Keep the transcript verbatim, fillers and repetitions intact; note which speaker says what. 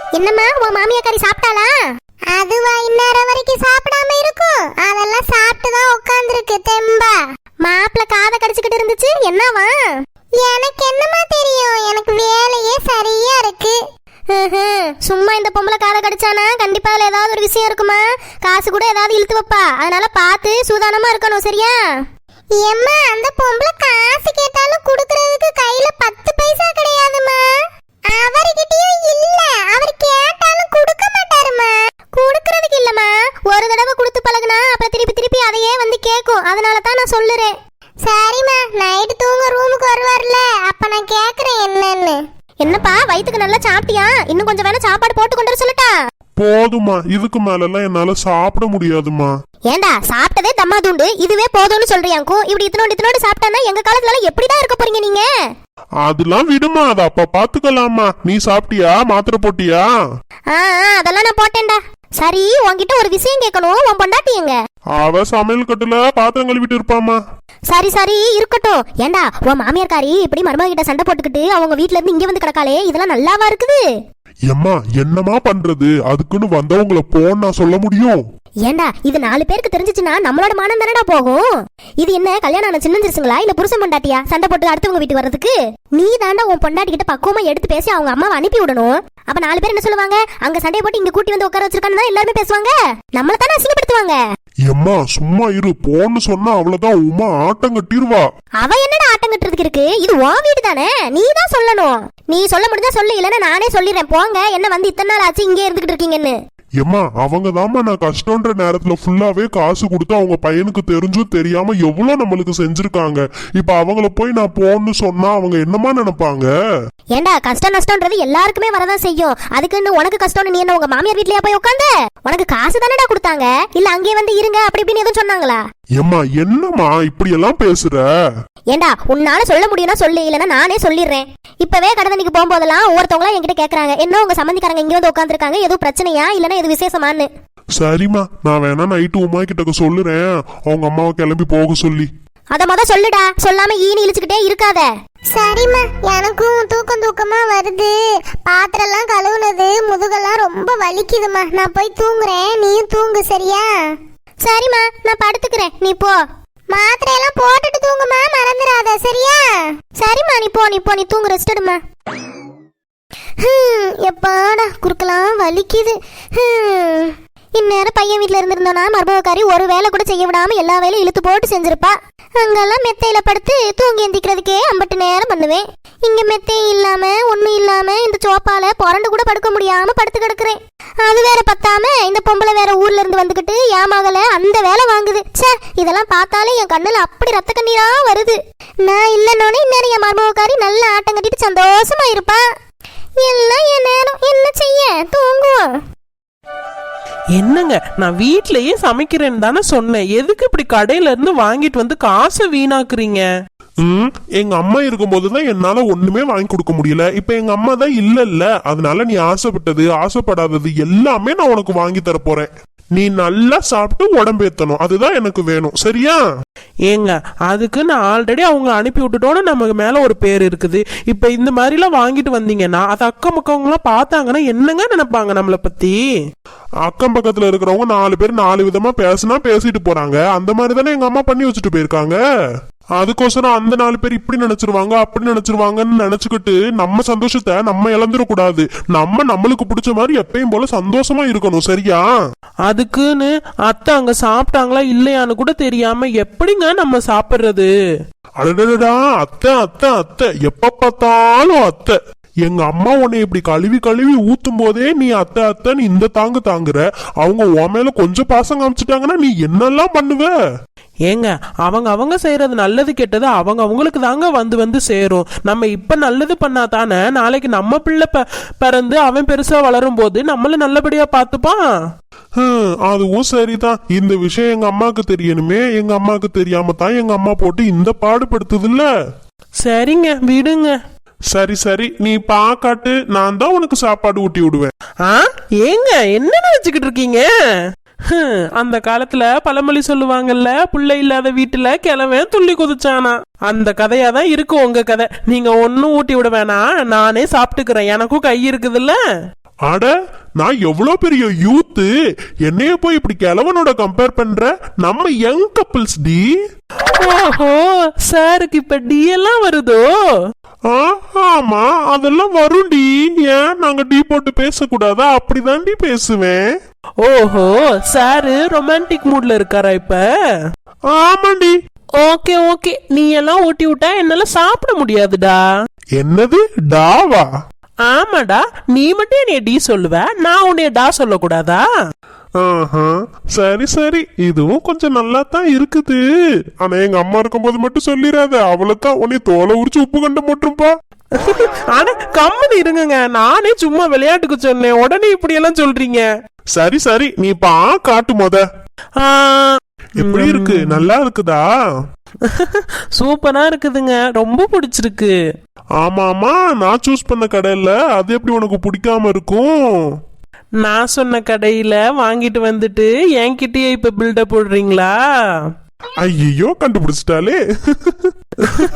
Speaker 1: என்னம்மா உன் மாமியாக்காரி சாப்பிட்டாளா? அதுவா இந்நேரம் வரைக்கும் சாப்பிடாம இருக்கும்? அதெல்லாம் சாப்பிட்டுதான் உட்கார்ந்துருக்கு தெம்பா. மாப்பிள்ள காதை கடிச்சுக்கிட்டு இருந்துச்சு, என்னவா? எனக்கு என்னமா தெரியும், எனக்கு வேலையே சரியா இருக்கு. சும்மா இந்த பொம்பளை காதை கடிச்சானா கண்டிப்பா அதுல ஏதாவது ஒரு விஷயம் இருக்குமா? காசு கூட ஏதாவது இழுத்து வைப்பா, அதனால பார்த்து சூதானமா இருக்கணும், சரியா? ஏம்மா அந்த பொம்பளை காசு கேட்டாலும் குடுக்கறதுக்கு கையில பத்து பைசா கிடையாதுமா. அவர்கிட்டயும் இல்ல, அவர் கேட்டாலும் கொடுக்க மாட்டாருமா. குடுக்கறதுக்கு இல்லம்மா, ஒரு தடவை கொடுத்து பழகுனா அப்புறம் திருப்பி திருப்பி அதையே வந்து கேட்கும், அதனால தான் நான் சொல்லுறேன். சரிம்மா, நைட்டு தூங்க ரூமுக்கு வருவார்ல, அப்ப நான் கேக்குறேன் என்னன்னு. என்னப்பா வயிற்றுக்கு நல்லா சாப்பிட்டியா? இன்னும் கொஞ்சம் வேணா சாப்பாடு போட்டு கொண்டு வர சொல்லட்டா?
Speaker 2: போதுமா, இதுக்கு மேலலாம் என்னால சாப்பிட முடியாதுமா.
Speaker 1: ஏண்டா சாப்பிட்டதே தம்மா தூண்டு, இதுவே போதும்னு சொல்றியாக்கும்? இப்படி இத்தனோடு இத்தனோடு சாப்பிட்டானா எங்க காலத்துல எப்படிதான் இருக்க போறீங்க நீங்க?
Speaker 2: அதெல்லாம் விடுமா, அத அப்ப பாத்துக்கலாமா. நீ சாப்பிட்டியா? மாத்திரை போட்டியா?
Speaker 1: ஆ அதெல்லாம் நான் போட்டேன்டா. சரி, உன்கிட்ட ஒரு விஷயம் கேட்கணும். உன் பொண்டாட்டி எங்க?
Speaker 2: அவ சமையல் கட்டுல பாத்திரம் கழுவிட்டு இருப்பாமா.
Speaker 1: சரி சரி இருக்கட்டும். ஏண்டா உன் மாமியார்காரி இப்படி மருமக கிட்ட சண்டை போட்டுக்கிட்டு அவங்க வீட்ல இருந்து இங்க வந்து கிடக்காளே, இதெல்லாம் நல்லாவா இருக்குது?
Speaker 2: எம்மா என்னமா பண்றது, அதுக்குன்னு வந்தவங்களை போன்னு நான் சொல்ல முடியும்?
Speaker 1: ஏண்டா இது நாலு பேருக்கு தெரிஞ்சிச்சுன்னா நம்மளோட மானம் தானடா போகும். இது என்ன கல்யாணம் ஆன சின்னஞ்சிருச்சுங்களா இல்ல புருஷன் பொண்டாட்டியா சண்டை போட்டு அடுத்தவங்க வீட்டுக்கு வர்றதுக்கு? நீ தாண்டா உன் பொண்டாட்டி கிட்ட பக்குவமா எடுத்து பேசி அவங்க அம்மாவை அனுப்பி விடணும். அப்ப நாலு பேர் என்ன சொல்லுவாங்க? அங்க சண்டையை போட்டு இங்க கூட்டி வந்து உட்கார வச்சிருக்கான்னு எல்லாருமே பேசுவாங்க, நம்மள தானே அசிங்கப்படுத்துவாங்க.
Speaker 2: எம்மா சும்மா இரு, போன்னு சொன்னா அவ்வளவுதான் உமா ஆட்டம் கட்டிடுவா.
Speaker 1: அவ என்னடா ஆட்டம் கட்டுறதுக்கு இருக்கு? இது உன் வீடு தானே, நீ தான் சொல்லணும். நீ சொல்ல முடிஞ்சா சொல்லு, இல்லன்னா நானே சொல்லிடுறேன். போங்க, என்ன வந்து இத்தனை நாள் ஆச்சு இங்கே இருந்துகிட்டு இருக்கீங்கன்னு.
Speaker 2: எம்மா அவங்க தாம்மா நான் கஷ்டன்ற நேரத்துல ஃபுல்லாவே காசு கொடுத்து அவங்க பையனுக்கு தெரிஞ்சும் தெரியாம எவ்வளவு நம்மளுக்கு செஞ்சிருக்காங்க. இப்ப அவங்கள போய் நான் போன்னு சொன்னா அவங்க என்னமா நினைப்பாங்க?
Speaker 1: ஏண்டா கஷ்டம் நஷ்டம்ன்றது எல்லாருக்குமே வரதான் செய்யும். அதுக்குன்னு உனக்கு கஷ்டம்னு நீ என்ன உங்க மாமியார் வீட்லயா போய் உட்கார்ந்த? உனக்கு காசு தானடா கொடுத்தாங்க, இல்ல அங்கே வந்து இருங்க அப்படி இப்படின்னு எதுவும் சொன்னாங்களா?
Speaker 2: எம்மா என்னம்மா இப்படி எல்லாம் பேசுற?
Speaker 1: ஏண்டா உன்னால சொல்ல முடியும்னா சொல்லு, இல்லன்னா நானே சொல்லிடுறேன். இப்பவே கடத்தணிக்கு போகும்போதெல்லாம் ஒவ்வொருத்தவங்களா என்கிட்ட கேக்குறாங்க, என்ன உங்க சம்பந்திக்காரங்க இங்க வந்து உட்காந்துருக்காங்க, எதுவும் பிரச்சனையா இல்லன்னா எது விசேஷமானு.
Speaker 2: சரிம்மா, நான் வேணா நைட்டு உமா கிட்ட சொல்லுறேன், அவங்க அம்மாவை கிளம்பி போக சொல்லி.
Speaker 1: அத முத சொல்லுடா, சொல்லாம ஈனி இழுச்சுக்கிட்டே இருக்காத. சரிம்மா, எனக்கும் தூக்கம் தூக்கமா வருது. பாத்திரம் எல்லாம் கழுவுனது முதுகெல்லாம் ரொம்ப வலிக்குதுமா. நான் போய் தூங்குறேன், நீயும் தூங்கு சரியா? சரிம்மா, நான் படுத்துக்கிறேன், நீ போ. மாத்திரை எல்லாம் போட்டுட்டு தூங்குமா, மறந்துடாத சரியா? சரிம்மா, நீ போ, நீ போ, நீ தூங்கு, ரெஸ்ட் எடுமா. எப்பாடா குறுக்கலாம் வலிக்குது. இந்நேரம் பையன் வீட்டுல இருந்திருந்தோன்னா மருமகக்காரி ஒரு வேலை கூட செய்ய விடாம எல்லா வேலையும் இழுத்து போட்டு செஞ்சிருப்பா. அங்கெல்லாம் மெத்தையில படுத்து தூங்கி எந்திக்கிறதுக்கே ஐம்பட்டு நேரம் பண்ணுவேன். இங்க மெத்தையும் இல்லாம ஒண்ணும் இல்லாம இந்த சோப்பால புரண்டு கூட படுக்க முடியாம படுத்து கிடக்குறேன். அது வேற பத்தாம இந்த பொம்பளை வேற ஊர்ல இருந்து வந்துகிட்டு ஏமாகல அந்த வேலை வாங்குது. சே, இதெல்லாம் பார்த்தாலே என் கண்ணுல அப்படி ரத்த கண்ணீரா வருது. நான் இல்லைன்னோன்னு இந்நேரம் என் மருமகக்காரி நல்ல ஆட்டம் கட்டிட்டு சந்தோஷமா இருப்பா. எல்லாம் என் நேரம், என்ன செய்ய, தூங்குவோம்.
Speaker 3: என்னங்க, நான் வீட்லயே சமைக்கிறேன்னு தானே சொன்னேன், எதுக்கு இப்படி கடையில இருந்து வாங்கிட்டு வந்து காசை வீணாக்குறீங்க?
Speaker 2: ம் எங்க அம்மா இருக்கும் போதுதான் என்னால ஒண்ணுமே வாங்கி கொடுக்க முடியல. இப்ப எங்க அம்மா தான் இல்ல இல்ல, அதனால நீ ஆசைப்பட்டது ஆசைப்படாதது எல்லாமே நான் உனக்கு வாங்கி தர போறேன். நீ நல்லா சாப்பிட்டு உடம்பேத்தணும், அதுதான் எனக்கு வேணும், சரியா?
Speaker 3: ஏங்க அதுக்கு நான் ஆல்ரெடி அவங்க அனுப்பி விட்டுட்டோன்னு நமக்கு மேல ஒரு பேர் இருக்குது. இப்ப இந்த மாதிரி எல்லாம் வாங்கிட்டு வந்தீங்கன்னா அது அக்கம் பக்கவங்களாம் பார்த்தாங்கன்னா என்னங்க நினைப்பாங்க நம்மளை பத்தி?
Speaker 2: அக்கம் பக்கத்துல இருக்கிறவங்க நாலு பேர் நாலு விதமா பேசினா பேசிட்டு போறாங்க. அந்த மாதிரி தானே எங்க அம்மா பண்ணி வச்சுட்டு போயிருக்காங்க. அதுக்கோசரம் அந்த நாலு பேர் இப்படி நினைச்சிருவாங்க அப்படி நினைச்சிருவாங்கன்னு நினைச்சுக்கிட்டு நம்ம சந்தோஷத்தை நம்ம இழந்துடக்கூடாது. நம்ம நம்மளுக்கு பிடிச்ச மாதிரி எப்பயும் போல சந்தோஷமா இருக்கணும், சரியா?
Speaker 3: அதுக்குன்னு அத்தை அங்க சாப்பிட்டாங்களா இல்லையான்னு கூட தெரியாம எப்படிங்க நம்ம சாப்பிடுறது?
Speaker 2: அடடா, அத்தை அத்தை அத்தை எப்ப பார்த்தாலும் அத்தை. எங்க அம்மா உன்னை இப்படி கழுவி கழுவி ஊத்தும் போதே நீ அத்தை அத்தைன்னு இந்த தாங்கு தாங்குற. அவங்க உன் மேல கொஞ்சம் பாசம் காமிச்சிட்டாங்கன்னா நீ என்னெல்லாம் பண்ணுவ?
Speaker 3: ஏங்க அவங்க அவங்க செய்யறது நல்லது கெட்டது அவங்க அவங்களுக்கு தாங்க வந்து வந்து சேரும். நம்ம இப்ப நல்லது பண்ணா தானே நாளைக்கு நம்ம பிள்ளை பிறந்து அவன் பெருசா வளரும் போது நம்மள நல்லபடியா பாத்துப்பான்.
Speaker 2: அதுவும் சரிதான். இந்த விஷயம் எங்க அம்மாக்கு தெரியணுமே, எங்க அம்மாக்கு தெரியாம தான் எங்க அம்மா போட்டு இந்த பாடுபடுத்துது இல்ல.
Speaker 3: சரிங்க விடுங்க.
Speaker 2: சரி சரி, நீ பாக்காட்டு, நான் தான் உனக்கு சாப்பாடு ஊட்டி விடுவேன்.
Speaker 3: ஆ ஏங்க என்ன நினைச்சுக்கிட்டு இருக்கீங்க? அந்த காலத்துல பழமொழி சொல்லுவாங்கல்ல, புள்ள இல்லாத வீட்டுல கிழவன் துள்ளி குதிச்சானா. அந்த கதையாதான் இருக்கு உங்க கதை. நீங்க ஒன்னும் ஊட்டி விட வேணாம், நானே சாப்பிட்டுக்கிறேன், எனக்கும் கை இருக்குதுல்ல.
Speaker 2: அட நான் எவ்வளவு பெரிய யூத்து, என்னைய போய் இப்படி கிழவனோட கம்பேர் பண்ற? நம்ம யங் கப்பிள்ஸ் டி.
Speaker 3: ஓஹோ, சாருக்கு இப்ப டி எல்லாம் வருதோ?
Speaker 2: ஆ, ஆமா அதெல்லாம் வரும்டி. ஏன் நாங்க டீ போட்டு பேசக்கூடாதா? அப்படிதான்டி பேசுவேன்.
Speaker 3: ஓஹோ, சாரு ரொமான்டிக் மூட்ல இருக்காரா இப்ப?
Speaker 2: ஆமாண்டி.
Speaker 3: ஓகே ஓகே, நீ எல்லாம் ஊட்டி விட்டா என்னால சாப்பிட முடியாதுடா.
Speaker 2: என்னது டாவா?
Speaker 3: ஆமாடா, நீ மட்டும் என்னைய டி சொல்லுவ, நான் உன்னைய டா சொல்லக்கூடாதா?
Speaker 2: ஆஹா, சரி சரி, இதுவும் கொஞ்சம் நல்லா தான் இருக்குது. ஆனா எங்க அம்மா இருக்கும்போது மட்டும் சொல்லிடாத, அவளைத்தான் உன்னை தோலை உரிச்சு உப்பு கண்ட போட்டுருப்பா.
Speaker 3: ஆனா கம்மனு இருங்க, நானே சும்மா விளையாட்டுக்கு சொன்னேன், உடனே இப்படி எல்லாம் சொல்றீங்க.
Speaker 2: சரி சரி, நீ பா காட்டு மொத.
Speaker 3: ஆ,
Speaker 2: எப்படி இருக்கு? நல்லா இருக்குதா?
Speaker 3: சூப்பரா இருக்குதுங்க, ரொம்ப பிடிச்சிருக்கு.
Speaker 2: ஆமா ஆமா, நான் சூஸ் பண்ண கடையில அது எப்படி உனக்கு பிடிக்காம இருக்கும்?
Speaker 3: நான் சொன்ன கடையில வாங்கிட்டு வந்துட்டு என்கிட்டயே இப்ப பில்டப் போடுறீங்களா?
Speaker 2: ஐயோ, கண்டுபிடிச்சிட்டாலே.